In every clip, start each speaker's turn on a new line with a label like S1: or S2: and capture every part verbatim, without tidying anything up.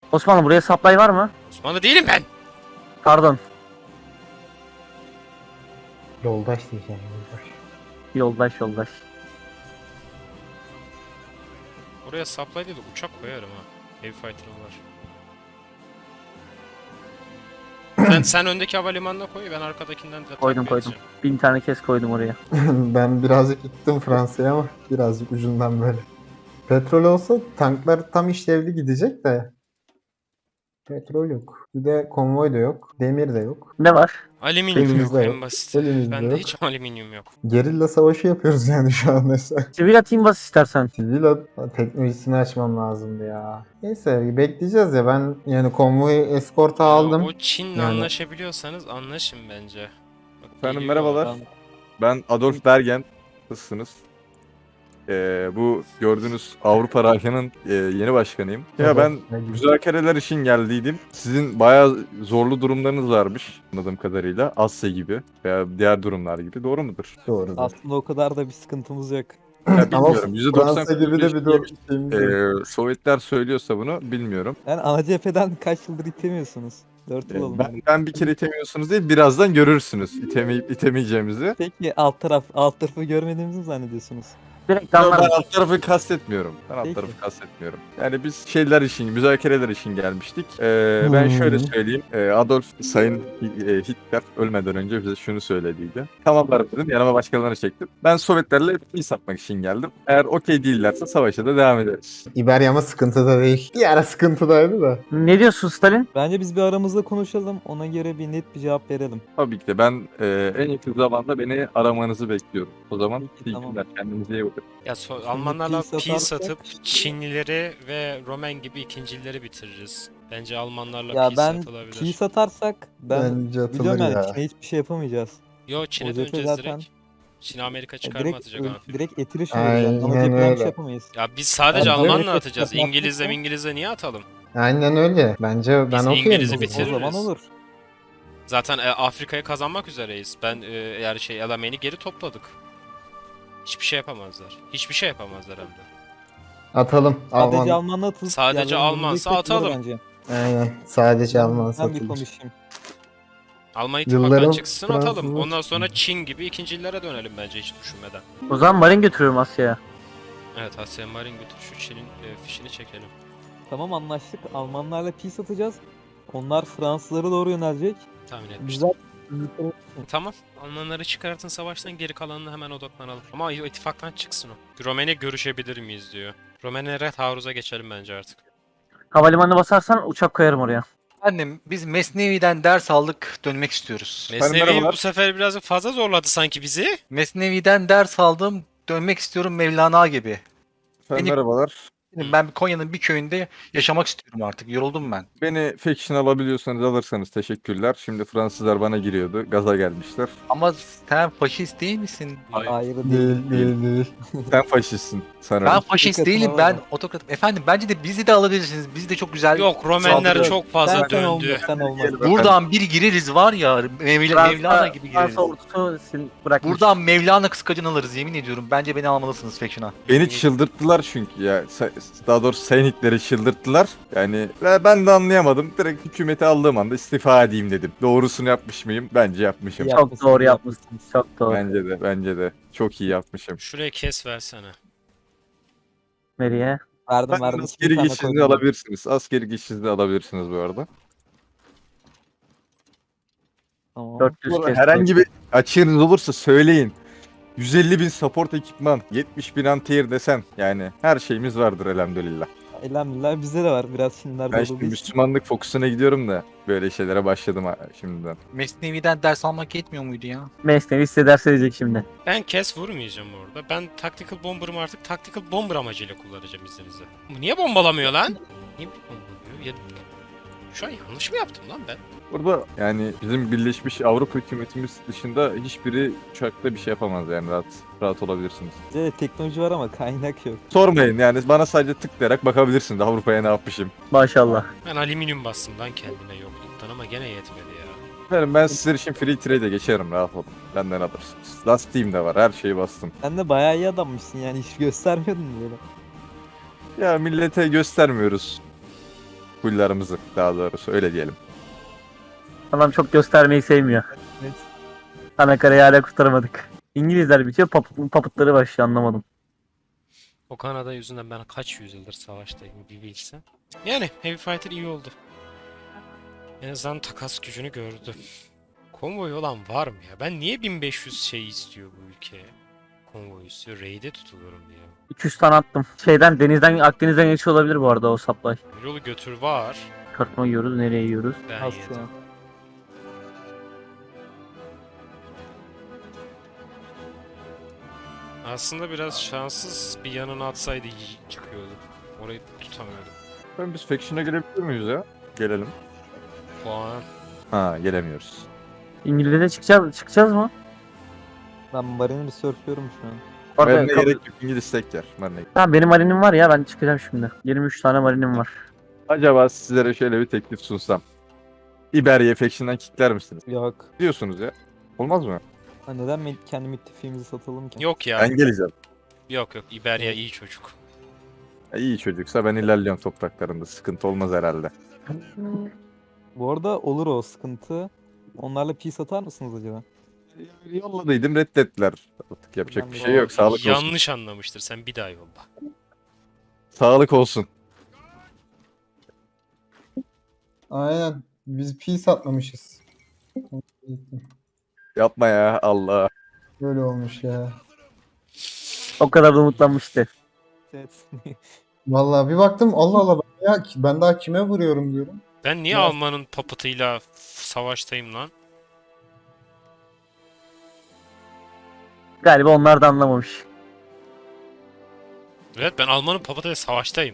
S1: Osmanlı buraya supply var mı?
S2: Osmanlı değilim ben.
S1: Pardon.
S3: Yoldaş diyeceğim yoldaş.
S1: Yoldaş yoldaş.
S2: Oraya supply değil de uçak koyarım ha. Heavy fighter'ım var. sen, sen öndeki havalimanına koy, ben arkadakinden de
S1: Koydum
S2: takip
S1: koydum.
S2: edeceğim.
S1: Bin tane kes koydum oraya.
S3: Ben birazcık gittim Fransa'ya ama birazcık ucundan böyle. Petrol olsa tanklar tam işlevli gidecek de. Petrol yok. Bir de konvoy da yok. Demir de yok.
S1: Ne var?
S2: Alüminyum yok
S3: Elimizde
S2: en
S3: yok.
S2: basit.
S3: Elimizde
S2: Bende
S3: yok.
S2: hiç alüminyum yok.
S3: Gerilla savaşı yapıyoruz yani şu an mesela.
S1: Sivil atayım bas istersen.
S3: Sivil at- teknolojisini açmam lazımdı ya. Neyse bekleyeceğiz ya, ben yani konvoyu eskorta
S2: Ya
S3: aldım.
S2: o Çin'le
S3: Yani-
S2: anlaşabiliyorsanız anlaşın bence. Bak,
S4: Efendim
S2: geliyor
S4: merhabalar.
S2: adam.
S4: Ben Adolf Bergen. Nasılsınız? Ee, bu gördüğünüz Avrupa Rahya'nın e, yeni başkanıyım. Ya ben müzakereler için geldiydim. Sizin bayağı zorlu durumlarınız varmış anladığım kadarıyla. Asya gibi veya diğer durumlar gibi. Doğru mudur?
S3: Doğru.
S5: Aslında o kadar da bir sıkıntımız yok.
S4: Ya
S3: Ama
S4: bilmiyorum. yüzde doksan
S3: Fransa gibi de bir doğru şeyimiz yok.
S4: Ee, Sovyetler söylüyorsa bunu bilmiyorum.
S5: Yani ana cepheden kaç yıldır itemiyorsunuz. dört yıl
S4: Ee,
S5: oldu.
S4: ben, ben bir kere itemiyorsunuz değil, birazdan görürsünüz itemeyip itemeyeceğimizi.
S5: Peki alt taraf, alt tarafı görmediğimizi mi zannediyorsunuz?
S1: Direkt
S4: Yo, ben
S1: anlarım.
S4: alt tarafı kastetmiyorum. Ben alt
S5: Peki.
S4: tarafı kastetmiyorum. Yani biz şeyler için, müzakereler için gelmiştik. Ee, ben
S3: Hmm.
S4: şöyle söyleyeyim. Ee, Adolf Sayın Hi- e, Hitler ölmeden önce bize şunu söylediydi. Tamamlar dedim, yanıma başkalarını çektim. Ben Sovyetlerle peace yapmak için geldim. Eğer okey değillerse savaşa da devam ederiz.
S3: İberya ama sıkıntıda değil. Bir ara sıkıntıdaydı da.
S1: Ne diyorsun Stalin?
S5: Bence biz bir aramızda konuşalım. Ona göre bir net bir cevap verelim.
S4: Tabii ki de ben e, en yakın zamanda beni aramanızı bekliyorum. O zaman
S5: Peki,
S4: iyi
S5: tamam.
S4: günler. Kendinize iyi bakın.
S2: Ya so-
S5: Şimdi
S2: Almanlarla
S5: peace
S2: peace
S5: atarsak-
S2: satıp Çinlileri ve Romen gibi ikincileri bitiririz. Bence Almanlarla
S5: Ya
S2: peace
S5: ben
S2: satılabilir.
S5: peace atarsak ben
S3: Bence atılır
S5: biliyorum yani
S3: ya.
S5: Çin'e hiçbir şey yapamayacağız.
S2: Yo Çin'e
S5: O cephe
S2: döneceğiz
S5: zaten-
S2: direkt. Çin Amerika
S5: Ya
S2: çıkarma
S5: direkt,
S2: atacak ha.
S5: direkt etiriş olacağız.
S3: Aynen
S5: Ana cepheden bir
S3: öyle.
S5: şey yapamayız.
S2: Ya biz sadece
S5: Ya
S2: Almanla
S5: böyle
S2: atacağız.
S5: yapacaksa-
S2: İngilizle İngilizle niye atalım?
S3: Aynen öyle. Bence ben
S2: Biz
S3: okuyayım.
S2: İngiliz'i
S3: bunu.
S2: bitiririz.
S5: O zaman olur.
S2: Zaten e, Afrika'yı kazanmak üzereyiz. Ben e, eğer şey Alameyn'i geri topladık. Hiçbir şey yapamazlar. Hiçbir şey yapamazlar hem de.
S3: Atalım.
S5: Sadece
S3: Alman.
S5: Alman'la atılıp
S2: Sadece
S5: yani
S2: Almansa
S5: önümüzdeki
S2: atalım.
S5: bence.
S3: Aynen. Sadece Alman
S5: Ben bir
S3: satılır.
S5: konuşayım.
S2: Alman ittifaktan
S3: Yılların
S2: çıksın atalım.
S3: Fransızı-
S2: Ondan sonra Çin gibi ikincilere dönelim bence hiç düşünmeden.
S1: O zaman marin götürüyorum Asya'ya.
S2: Evet Asya Marin götür şu Çin'in e, fişini çekelim.
S5: Tamam anlaştık. Almanlarla peace atacağız. Onlar Fransızlara doğru yönelecek.
S2: Tahmin etmiştim.
S5: Güzel.
S2: Tamam. Almanları çıkartın savaştan geri kalanına hemen odaklanalım. Ama ittifaktan çıksın o. Romen'e görüşebilir miyiz diyor. Romen'e Red Haruz'a geçelim bence artık.
S1: Havalimanına basarsan uçak koyarım oraya.
S6: Efendim biz Mesnevi'den ders aldık, dönmek istiyoruz.
S2: Mesnevi
S4: merhabalar.
S2: bu sefer birazcık fazla zorladı sanki bizi.
S6: Mesnevi'den ders aldım, dönmek istiyorum Mevlana gibi.
S4: Efendim,
S6: Beni-
S4: merhabalar.
S6: Ben Konya'nın bir köyünde yaşamak istiyorum artık, yoruldum ben.
S4: Beni faction alabiliyorsanız alırsanız teşekkürler. Şimdi Fransızlar bana giriyordu. Gaza gelmişler.
S6: Ama sen faşist değil misin?
S5: Hayır değil.
S3: Değil değil değil.
S4: Sen faşistsin sanırım.
S6: Ben faşist
S5: Dikkatime
S6: değilim,
S5: var
S6: ben
S5: mı?
S6: otokrat. Efendim bence de bizi de alabilirsiniz. Biz de çok güzel.
S2: Yok Romenler
S6: Saldırı.
S2: çok fazla
S5: Sen, sen olma,
S2: döndü.
S5: sen olma.
S6: Buradan bir gireriz var ya, Mevla, Mevlana gibi gireriz.
S1: Fransa ordusu sil bırakmış.
S6: Buradan Mevlana kıskacını alırız yemin ediyorum. Bence beni almalısınız faction'a.
S4: Beni çıldırttılar çünkü ya. Sa- Daha doğrusu Sayın Hitler'i çıldırttılar. Yani ve ben de anlayamadım. Direkt hükümeti aldığım anda istifa edeyim dedim. Doğrusunu yapmış mıyım? Bence yapmışım.
S5: Ya-
S1: Çok doğru yapmışsın. Çok doğru.
S4: Bence de, bence de. Çok iyi yapmışım.
S2: Şuraya kes versene.
S1: Nereye?
S5: Verdim
S4: Ben
S5: verdim.
S4: askeri
S5: Bir tane
S4: geçişini
S5: koydum.
S4: alabilirsiniz. Askeri geçişini alabilirsiniz bu arada.
S5: Tamam.
S1: dört yüz
S4: Bu arada
S1: kes.
S4: herhangi bir açığınız olursa söyleyin. yüz elli bin support ekipman, yetmiş bin anti-air desen, yani her şeyimiz vardır elhamdülillah.
S5: Elhamdülillah bizde de var biraz Çinlerde
S4: Ben
S5: olduğu
S4: şimdi
S5: için.
S4: Müslümanlık fokusuna gidiyorum da böyle şeylere başladım ha- şimdiden.
S6: Mesnevi'den ders almak yetmiyor muydu ya?
S1: Mesnevi hissederse diyecek şimdi.
S2: Ben kes vurmayacağım orada. Ben Tactical Bomber'ımı artık Tactical Bomber amacıyla kullanacağım izninizle. Bu niye bombalamıyor lan? Niye bombalamıyor? Ya... Şu an yanlış mı yaptım lan ben?
S4: Burada yani bizim Birleşmiş Avrupa hükümetimiz dışında hiçbiri uçakta bir şey yapamaz, yani rahat rahat olabilirsiniz.
S5: Bizde de teknoloji var ama kaynak yok.
S4: Sormayın, yani bana sadece tıklayarak bakabilirsiniz Avrupa'ya ne yapmışım.
S1: Maşallah.
S2: Ben alüminyum bastım lan kendime yokluktan ama gene yetmedi ya.
S4: Efendim ben sizler için free trade'e geçerim, rahat olun. Benden alırsınız. Last Team de var, her şeyi bastım.
S5: Sen de bayağı iyi adammışsın yani hiç göstermiyordun böyle.
S4: Ya millete göstermiyoruz. Huylarımızı daha doğrusu öyle diyelim.
S1: Adam çok göstermeyi sevmiyor.
S5: Evet.
S1: Anakara'yı hala kurtaramadık. İngilizler bitiyor, papıt, papıtları başlıyor, anlamadım.
S2: O Kanada yüzünden ben kaç yüzyıldır savaştayım bir bilsem. Yani Heavy Fighter iyi oldu. En azından takas gücünü gördü. Konvoy olan var mı ya? Ben niye bin beş yüz şey istiyor bu ülke? Konvoy istiyor. Raid'e tutuluyorum diye.
S1: iki yüz tane attım. Şeyden, denizden, Akdeniz'den geçiyor olabilir bu arada o supply.
S2: Yolu götür var.
S1: Kartma yiyoruz, nereye yiyoruz?
S2: Ben
S5: Asya.
S2: yedim. Aslında biraz şanssız bir yanına atsaydı iyi çıkıyordu. Orayı tutamıyordum.
S4: Ben biz Faction'a gelebiliyor muyuz ya? Gelelim.
S2: Puan.
S4: Ha gelemiyoruz.
S1: İngiliz'e çıkacağız, çıkacağız mı?
S5: Ben Marine Research'lıyorum şu an.
S1: Orada
S4: Marine
S1: kap-
S4: gerek yok. İngiliz tek yer. Marine.
S1: Tamam, benim marinim var ya, ben çıkacağım şimdi. yirmi üç tane marinim var.
S4: Acaba sizlere şöyle bir teklif sunsam. İberya Faction'dan kickler misiniz?
S5: Yok.
S4: Diyorsunuz ya. Olmaz mı?
S5: Ha, neden mi- kendi müttefiğimizi satalım ki?
S2: Yok ya.
S4: Ben geleceğim.
S2: Yok yok. İberya iyi çocuk.
S4: Ya iyi çocuksa ben ilerliyorum topraklarında. Sıkıntı olmaz herhalde.
S5: Bu arada olur o sıkıntı. Onlarla peace atar mısınız acaba?
S4: Yolladıydım reddettiler. Artık yapacak
S5: Ben
S4: bir
S5: de
S4: şey yok. Sağlık olsun.
S2: Yanlış anlamıştır. Sen bir daha yolla.
S4: Sağlık olsun.
S3: Aynen. Biz peace atlamışız.
S4: Yapma ya Allah.
S3: Böyle olmuş ya.
S1: O kadar da umutlanmıştı.
S5: Evet.
S3: Vallahi bir baktım Allah Allah ben, ya, ben daha kime vuruyorum diyorum.
S2: Ben niye
S3: Ya-
S2: Alman'ın papıtıyla savaştayım lan?
S1: Galiba onlar da anlamamış.
S2: Evet ben Alman'ın papıtıyla savaştayım.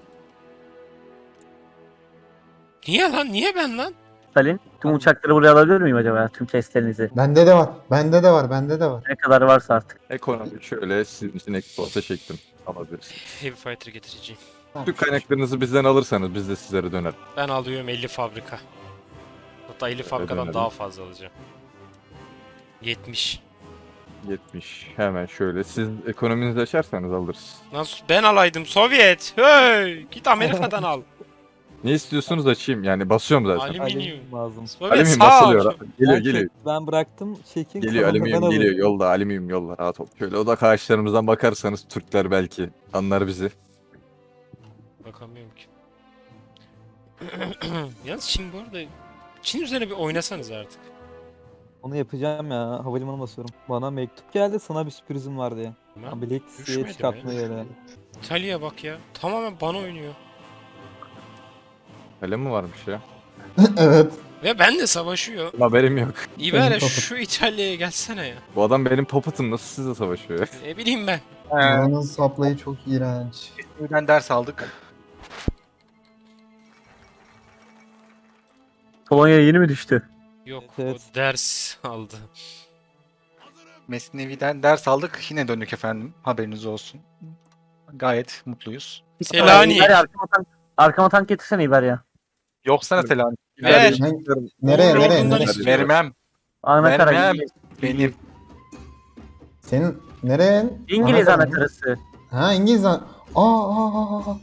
S2: Niye lan? Niye ben lan?
S1: Stalin, tüm uçakları buraya alabilir miyim acaba? Tüm testlerinizi.
S3: Bende de var. Bende de var. Bende de var.
S1: Ne kadar varsa artık.
S4: Ekonomi şöyle sizin için eksporta çektim. Alabilirsiniz.
S2: Heavy Fighter getireceğim.
S4: Tüm kaynaklarınızı bizden alırsanız biz de sizlere döner.
S2: Ben alıyorum elli fabrika. Hatta elli fabrikadan
S4: önemli.
S2: daha fazla alacağım. yetmiş.
S4: yetmiş. Hemen şöyle. Siz ekonominizi açarsanız alırız.
S2: Nasıl? Ben alaydım Sovyet. Hey! Git Amerika'dan al.
S4: Ne istiyorsunuz açayım. Yani basıyorum zaten.
S2: Alüminyum.
S5: Alüminyum lazım.
S2: Sovyet
S4: Alüminyum
S2: sağ ol.
S4: basılıyor. Geliyor
S5: Ben
S4: geliyor.
S5: çek- Ben bıraktım çekin.
S4: Geliyor
S5: kalanını ben
S4: alüminyum
S5: alayım.
S4: geliyor. Yolda alüminyum yolda. Rahat ol. Şöyle odak ağaçlarımızdan bakarsanız Türkler belki anlar bizi.
S2: Bakamıyorum ki. Yalnız Çin bu arada... Çin üzerine bir oynasanız artık.
S5: Onu yapacağım ya. Havalimanı basıyorum. Bana mektup geldi sana bir sürprizim var diye.
S2: Ben
S5: Abiliksiye
S2: düşmedim
S5: çıkartmaya
S2: ya.
S5: öyle.
S2: İtalya bak ya. Tamamen bana oynuyor.
S4: Öyle mi varmış ya?
S3: Evet.
S2: Ve ben de savaşıyor.
S4: Haberim yok.
S2: İberya
S3: Senin
S2: şu İtalya'ya gelsene ya.
S4: Bu adam benim puppet'ım nasıl sizle savaşıyor?
S2: Ne bileyim ben.
S3: Buranın saplayı çok iğrenç.
S6: Buradan ders aldık.
S1: Polonya yeni mi düştü?
S2: Yok
S5: Evet.
S2: o ders aldı.
S6: Mesnevi'den ders aldık. Yine döndük efendim. Haberiniz olsun. Gayet mutluyuz.
S2: Selanik.
S1: İberya, arkama tank, arkama tank getirsene İberya.
S6: Yoksa Selanik.
S2: Ver.
S3: Ben- nereye
S2: Uğur
S3: nereye
S2: Ordun'dan
S3: nereye?
S2: istiyorum.
S6: Vermem.
S1: Anakara.
S6: Vermem.
S1: İngiliz,
S6: Benim.
S3: Senin nereye?
S1: İngiliz
S3: Anakara mı?
S1: anakarası.
S3: Ha İngiliz an. Aa, aa, aa, aa.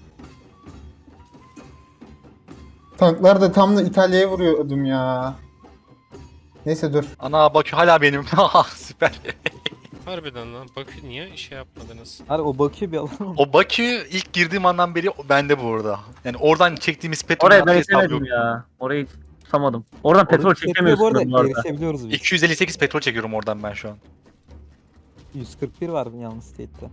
S3: Tanklar da tam da İtalya'ya vuruyordum ya. Neyse dur.
S6: Ana Bakü hala benim. Haha, süper.
S2: Harbiden lan. Bakın niye şey yapmadınız?
S5: Hadi o Bakü bir alalım.
S6: O Bakü ilk girdiğim andan beri bende bu arada. Yani oradan çektiğimiz petrol
S1: Oraya ben
S6: hesabı
S1: edemedim
S6: yok.
S1: ya. Orayı tutamadım. Oradan petrol
S5: Oradaki petrole bu arada
S1: çekemiyorsun bu arada.
S5: erişebiliyoruz biz.
S6: iki yüz elli sekiz petrol çekiyorum oradan ben şu an.
S5: yüz kırk bir var yalnız state'te.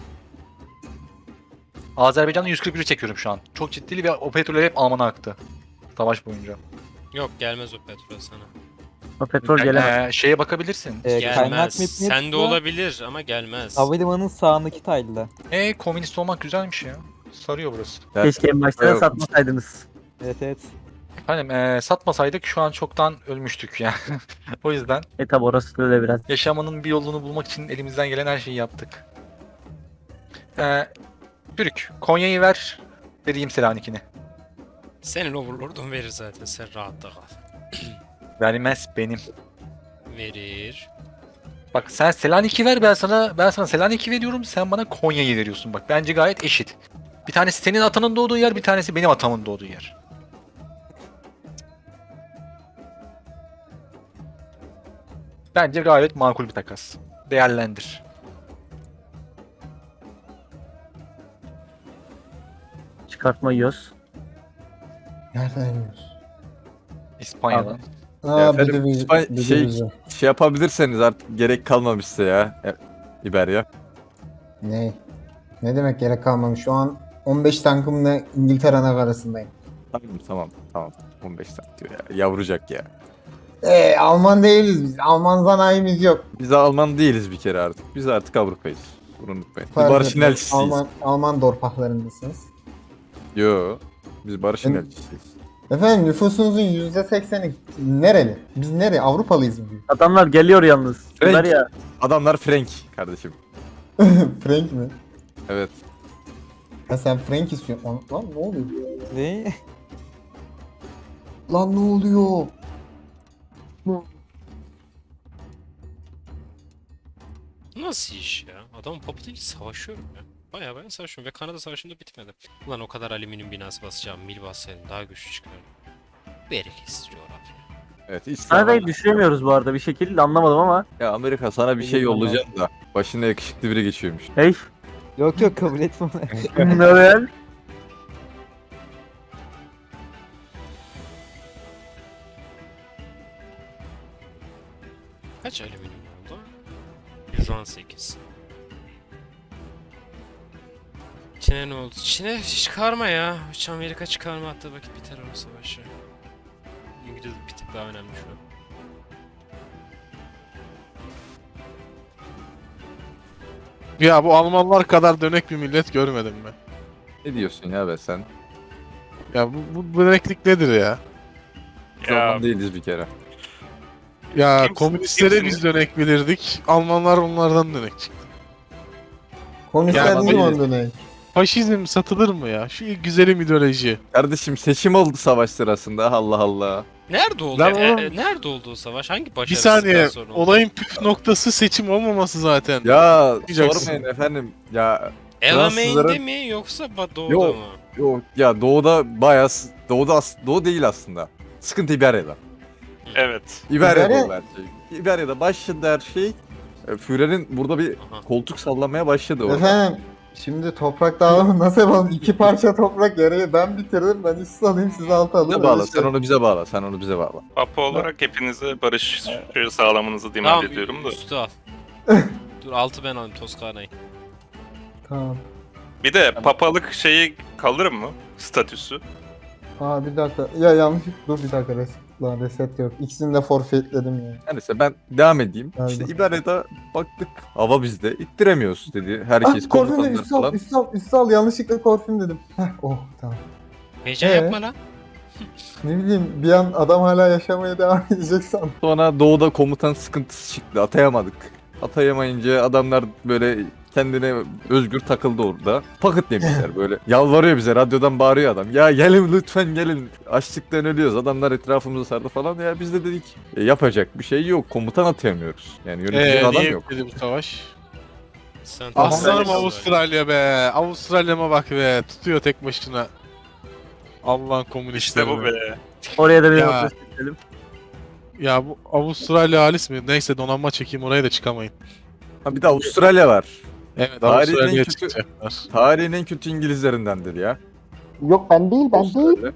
S6: Azerbaycan'da yüz kırk bir çekiyorum şu an. Çok ciddili ve o petroller hep Alman'a aktı. Savaş boyunca.
S2: Yok gelmez o petrol sana.
S1: O petrol
S6: Yani,
S1: gelemez.
S6: e, şeye bakabilirsin.
S5: Ee, kaynak
S2: Gelmez.
S5: metnine
S2: Sen de
S5: tıkla,
S2: olabilir ama gelmez.
S5: Havalimanının sağındaki tile'da.
S6: E komünist olmak güzelmiş ya. Sarıyor burası.
S1: Keşke en başta da
S4: Yok.
S1: satmasaydınız.
S5: Evet evet.
S6: Efendim e, satmasaydık şu an çoktan ölmüştük yani. O yüzden
S1: E tabi orası da öyle biraz.
S6: yaşamanın bir yolunu bulmak için elimizden gelen her şeyi yaptık. E, Türk, Konya'yı ver. Vereyim Selanik'ini.
S2: Senin overlord'un verir zaten. Sen rahatta kal.
S6: Vermez benim.
S2: Verir.
S6: Bak sen Selanik'i ver ben sana ben sana Selanik'i veriyorum sen bana Konya'yı veriyorsun bak bence gayet eşit. Bir tanesi senin atanın doğduğu yer bir tanesi benim atamın doğduğu yer. Bence gayet makul bir takas. Değerlendir.
S1: Çıkartma yiyoruz.
S3: Nereden yiyoruz?
S6: İspanya'dan.
S3: Aa,
S4: Ya
S3: bir
S4: efendim,
S3: de bir,
S4: İspanya-
S3: bir de
S4: şey-
S3: bize.
S4: Şey yapabilirseniz artık gerek kalmamışsa ya. E, İberya.
S3: Ne? Ne demek gerek kalmamış? Şu an on beş tankımla İngiltere arasındayım.
S4: Tamam tamam tamam. on beş saat diyor ya. Yavrucak ya.
S3: Eee Alman değiliz biz. Alman sanayimiz yok.
S4: Biz Alman değiliz bir kere artık. Biz artık Avrupa'yız. Bunu unutmayın. Biz
S3: Fark
S4: barışın
S3: etmez.
S4: elçisiyiz.
S3: Alman, Alman dorpaklarındasınız.
S4: Yo. Biz barışın
S3: Ben-
S4: elçisiyiz.
S3: Efendim nüfusunuzun yüzde sekseni nereli? Biz nereye? Avrupalıyız mı?
S1: Adamlar geliyor yalnız.
S4: Evet.
S1: Ver ya.
S4: Adamlar Frank kardeşim.
S3: Frank mi?
S4: Evet.
S3: Ha sen Frank istiyorsun. Lan, lan ne oluyor?
S5: Ne?
S3: Lan ne oluyor?
S2: Nasıl iş ya? Adamın papatıyla savaşıyorum ya. Baya baya savaşıyorum ve Kanada Savaşı'nda bitmedi. Ulan o kadar alüminyum binası basacağım, mil bassaydım daha güçlü çıkardım. Bereketsiz coğrafya.
S4: Evet. hiç
S1: Kanada'yı
S4: sağlam.
S1: düşüremiyoruz bu arada bir şekilde anlamadım ama.
S4: Ya Amerika sana bir şey yollayacağım da. Başında yakışıklı biri geçiyormuş.
S1: Hey.
S5: Yok yok kabul etmem.
S1: Ne haber?
S2: Kaç alüminyum oldu? yüz on sekiz. Çin'e ne oldu? Çin'e çıkarma ya. Hiç Amerika çıkarma attığı vakit biter o savaşı. İngiliz bir tık daha önemli şu an.
S7: Ya bu Almanlar kadar dönek bir millet görmedim ben.
S4: Ne diyorsun ya be sen?
S7: Ya bu, bu döneklik nedir ya?
S4: Biz Alman değiliz bir kere.
S7: Ya
S8: Kimsin-
S7: komünistlere
S8: kimsiniz?
S7: biz dönek bilirdik. Almanlar onlardan dönek çıktı.
S3: Komünistler
S7: Ya,
S3: değil mi
S4: hayır.
S3: ondan ne?
S7: Faşizm satılır mı ya? Şu güzelim ideoloji.
S4: Kardeşim seçim oldu savaş sırasında. Allah Allah.
S2: Nerede oldu?
S7: Lan
S2: E,
S7: oğlum-
S2: e, nerede oldu o savaş? Hangi
S7: Bir
S2: başarısızlıktan
S7: saniye.
S2: sonra oldu?
S7: Olayın püf noktası seçim olmaması zaten.
S4: Ya
S7: Diyeceksin.
S4: sormayın efendim. Ya
S2: Elamain'de
S4: Fransızların-
S2: mi yoksa Ba- Doğu'da
S4: Yok.
S2: mı?
S4: yok ya doğuda bayağı s- doğuda as- doğu değil aslında. Sıkıntı İberya'da.
S8: Evet.
S4: İberya'da
S3: İberya-
S4: oldu her şey. İberya'da başladı her şey. E, Führer'in burada bir
S2: Aha.
S4: koltuk sallamaya başladı orada.
S3: Efendim şimdi toprak dağılımı nasıl yapalım? İki parça toprak yarıyı ben bitirdim. Ben üstü alayım siz altı alın.
S4: Bize bağla.
S3: Öyle
S4: Sen
S3: şey.
S4: onu bize bağla. Sen onu bize bağla.
S8: Papa olarak hepinize barış sağlamanızı demand
S2: Tamam,
S8: ediyorum da.
S2: üstü al. Dur altı ben alayım Toskana'yı.
S3: Tamam.
S8: Bir de papalık şeyi kalır mı? Statüsü.
S3: Aa bir dakika. Ya yanlış. Dur bir dakika reset. Lan reset yok. İkisini de forfeitledim ya.
S4: Neyse ben devam edeyim.
S3: Geldim.
S4: İşte İberya'da baktık hava bizde. İttiremiyoruz dedi. Herkes
S3: Ah korfim dedim.
S4: komutanlar
S3: Üstü al.
S4: falan.
S3: Üstü al. Üstü al. Yanlışlıkla korfim dedim. Heh oh tamam.
S2: Heyecan
S3: Ee?
S2: yapma lan.
S3: Ne bileyim bir an adam hala yaşamaya devam edecek sandım.
S4: Sonra doğuda komutan sıkıntısı çıktı. Atayamadık. Atayamayınca adamlar böyle kendine özgür takıldı orada. Paket demişler böyle. Yalvarıyor bize, radyodan bağırıyor adam. Ya gelin lütfen gelin. Açlıktan ölüyoruz. Adamlar etrafımızı sardı falan. Ya biz de dedik "E, yapacak bir şey yok. Komutan atayamıyoruz. Yani yönetici
S7: Eee
S4: adam
S7: niye
S4: yok.
S7: bitti bu savaş?
S2: Sen
S7: Aslanım
S2: Toskana'yı
S7: Avustralya be. Avustralya'ma bak be. Tutuyor tek başına. Allah'ın komünistleri.
S8: İşte bu be.
S1: Oraya da bir
S7: Ya.
S1: nokta çekelim.
S7: Ya bu Avustralya halis mi? Neyse donanma çekeyim oraya da çıkamayın.
S4: Ha bir de Avustralya var.
S7: Evet
S4: Tarihin en
S7: Avustralya'ya
S4: kötü-
S7: çıkacaklar.
S4: Tarihin en kötü İngilizlerindendir ya.
S3: Yok ben değil ben değil.
S4: Avustralya.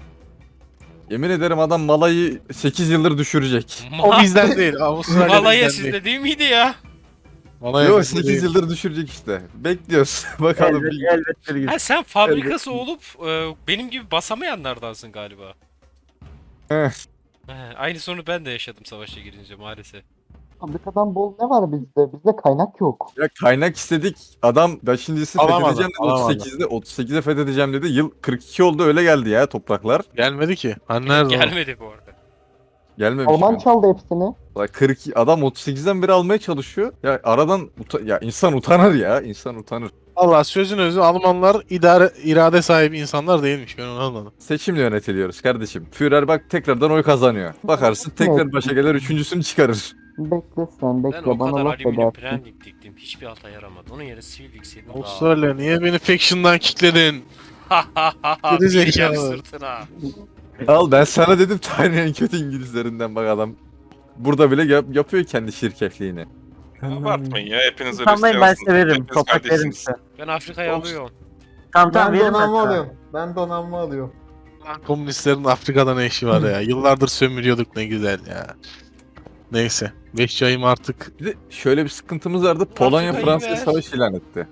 S4: Yemin ederim adam Malay'ı sekiz yıldır düşürecek.
S7: O bizden değil. Avustralya
S2: Malaya
S7: bizden değil.
S2: sizde değil miydi ya?
S7: Malaya
S4: Yok
S7: bizden
S4: sekiz
S7: değil.
S4: yıldır düşürecek işte. Bekliyoruz. Bakalım.
S1: Elbet,
S4: bir-
S1: elbet bir gün.
S2: Ha sen fabrikası olup e, benim gibi basamayanlardansın galiba.
S4: Eh.
S2: He, aynı sorunu ben de yaşadım savaşa girince maalesef.
S9: Fabrikadan bol ne var bizde? Bizde kaynak yok.
S4: Ya kaynak istedik. Adam beşincisi
S7: Alamadı,
S4: fethedeceğim dedi
S7: alamadı.
S4: otuz sekizde. otuz sekize fethedeceğim dedi. Yıl kırk iki oldu öyle geldi ya topraklar.
S7: Gelmedi ki. Hani nerede o?
S2: Gelmedi bu arada.
S4: Gelmemiş.
S9: Alman
S4: yani.
S9: çaldı hepsini.
S4: Ulan kırk iki adam otuz sekizden beri almaya çalışıyor. Ya aradan uta- ya insan utanır ya. İnsan utanır.
S7: Allah sözün özü Almanlar idare irade sahibi insanlar değilmiş. Ben onu anladım.
S4: Seçimle yönetiliyoruz kardeşim. Führer bak tekrardan oy kazanıyor. Bakarsın tekrar başa gelir üçüncüsünü çıkarır.
S9: Bekle sen
S2: Ben
S9: bekle
S2: o
S9: bana
S2: kadar
S9: laf
S2: alüminyum
S9: edersin.
S2: branding diktim. Hiçbir alta yaramadı. Onun yerine sivil dikseydim daha.
S7: Avustralya niye beni faction'dan kickledin? Geri
S2: Bileceğim
S7: zekalı.
S2: sırtına.
S4: Al ben sana dedim tarihin en kötü İngilizlerinden bak adam. burada bile yap- yapıyor kendi şirketliğini.
S8: Abartmayın ya. Hepiniz
S1: Tamam ben severim.
S8: Hepiniz
S1: Toprak verin
S8: kardeşsiniz.
S1: size.
S2: Ben Afrika'yı
S8: Olsun.
S2: alıyorum.
S1: Tamam tamam
S3: Ben
S1: veririm ben
S3: donanma
S1: sana.
S3: alıyorum. Ben donanma alıyorum.
S7: Lan komünistlerin Afrika'da ne işi var ya? Yıllardır sömürüyorduk ne güzel ya. Neyse. beş ayım artık.
S4: Bir de şöyle bir sıkıntımız vardı. Polonya
S2: Afrika'yı
S4: Fransa'ya
S2: ver.
S4: savaş ilan etti.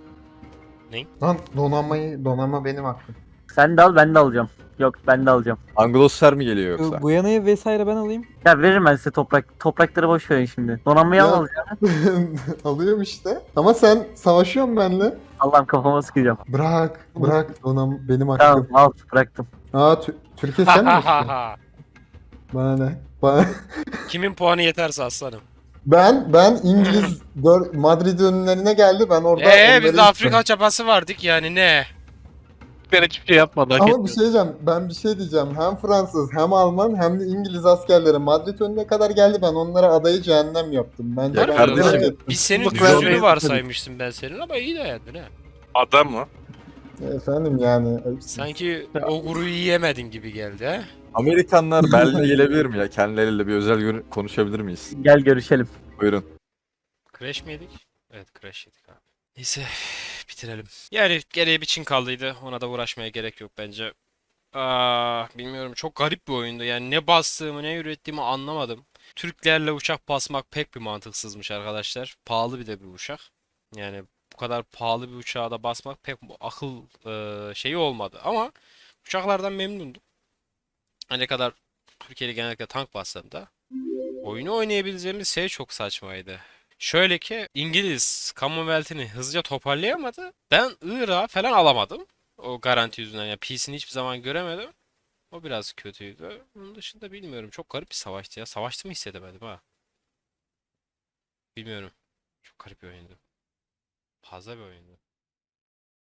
S3: Lan donanmayı, donanma benim hakkım.
S1: Sen de al ben de alacağım. Yok ben de alacağım.
S4: Angloslar mı geliyor yoksa?
S5: Gu- Guyana'yı vesaire ben alayım.
S1: Ya veririm ben size toprak. Toprakları boş verin şimdi. Donanmayı
S3: Ya-
S1: al alacağım.
S3: Alıyorum işte. Ama sen savaşıyorsun benimle.
S1: Allah'ım kafama sıkacağım.
S3: Bırak, bırak. Donanma benim hakkım.
S1: Tamam al bıraktım.
S3: Aa, Tü- Türkiye sen mi? istiyorsun? Bana ne? Bana...
S2: Kimin puanı yeterse aslanım.
S3: Ben ben İngiliz dör- Madrid önlerine geldi. Ben orada
S2: Eee
S3: onları
S2: biz de
S3: ittim.
S2: Afrika çapası vardık yani ne?
S7: Ben hiçbir şey yapmadı. Hak
S3: Ama
S7: etmiyor.
S3: bir şey diyeceğim. Ben bir şey diyeceğim. Hem Fransız hem Alman hem de İngiliz askerleri Madrid önüne kadar geldi. Ben onlara adayı cehennem yaptım. Bence
S4: Ya
S3: ben
S4: kardeşim,
S3: hak ettim.
S2: Biz senin
S7: Bak,
S2: düzgünü
S7: ben-
S2: varsaymıştım ben senin ama iyi dayandın ha.
S8: Adam mı?
S3: Efendim yani.
S2: Sanki o guruyu yiyemedin gibi geldi ha.
S4: Amerikanlar Berlin'e gelebilir mi ya? Kendileriyle bir özel görü- konuşabilir miyiz?
S1: Gel görüşelim.
S4: Buyurun.
S2: Crash mi yedik? Evet crash yedik abi. Neyse bitirelim. Yani geriye bir Çin kaldıydı. Ona da uğraşmaya gerek yok bence. Aa, bilmiyorum çok garip bir oyundu. Yani ne bastığımı ne ürettiğimi anlamadım. Türklerle uçak basmak pek bir mantıksızmış arkadaşlar. Pahalı bir de bir uçak. Yani bu kadar pahalı bir uçağa da basmak pek bu akıl e, şeyi olmadı. Ama uçaklardan memnundum. Ne kadar Türkiye'de genellikle tank bassam da oyunu oynayabileceğimiz şey çok saçmaydı. Şöyle ki İngiliz Commonwealth'ini hızlıca toparlayamadı. Ben Irak'ı falan alamadım. O garanti yüzünden yani P C'ni hiçbir zaman göremedim. O biraz kötüydü. Onun dışında bilmiyorum. Çok garip bir savaştı ya. Savaştı mı hissedemedim ha. Bilmiyorum. Çok garip bir oyundu. Fazla bir oyundu.